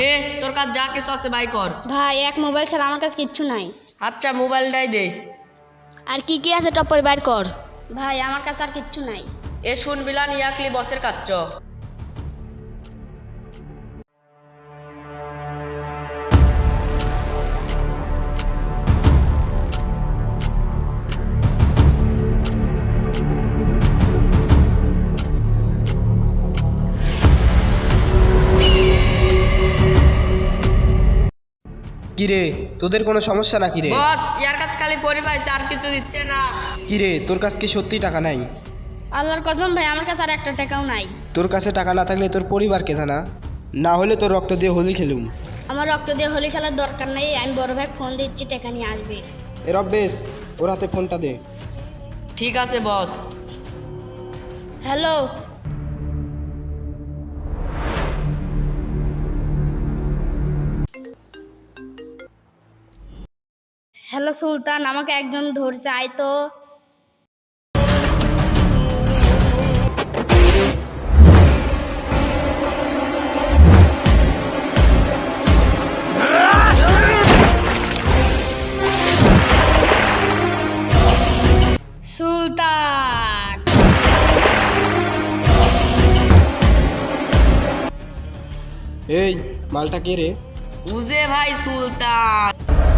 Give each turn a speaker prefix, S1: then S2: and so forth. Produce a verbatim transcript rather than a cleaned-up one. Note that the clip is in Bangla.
S1: এ তোর কাছে যা কিছু আছে বাই কর।
S2: ভাই এক মোবাইল ছাড়া আমার কাছে কিচ্ছু নাই।
S1: আচ্ছা মোবাইলটাই দে।
S2: আর কি কি আছে টপ করে বাইর কর। ভাই আমার কাছে আর কিচ্ছু নাই।
S1: এ শুন বিলান ইয়াকলি বসের কাচ্চ।
S3: কিরে তোদের কোনো সমস্যা নাকি রে?
S1: বস ইয়ার কাছে খালি পরি পাইছে আর কিছু দিচ্ছে না।
S3: কিরে তোর কাছে কি সত্যি টাকা নাই?
S2: আল্লাহর কসম ভাই আমার কাছে আর একটা টাকাও নাই।
S3: তোর কাছে টাকা না থাকলে তোর পরিবার কেথা না, না হলে তোর রক্ত দিয়ে হোলি খেলুম।
S2: আমার রক্ত দিয়ে হোলি খেলার দরকার নেই, আমি বড় ভাই ফোন দিচ্ছি টাকা নিয়ে আসবে।
S3: এ রব্বেশ ওর হাতে ফোনটা দে।
S1: ঠিক আছে বস।
S2: হ্যালো হ্যালো সুলতান, আমাকে একজন ধরছে, আয় তো। সুলতান
S3: এই মালটা কে রে?
S1: বুঝে ভাই সুলতান।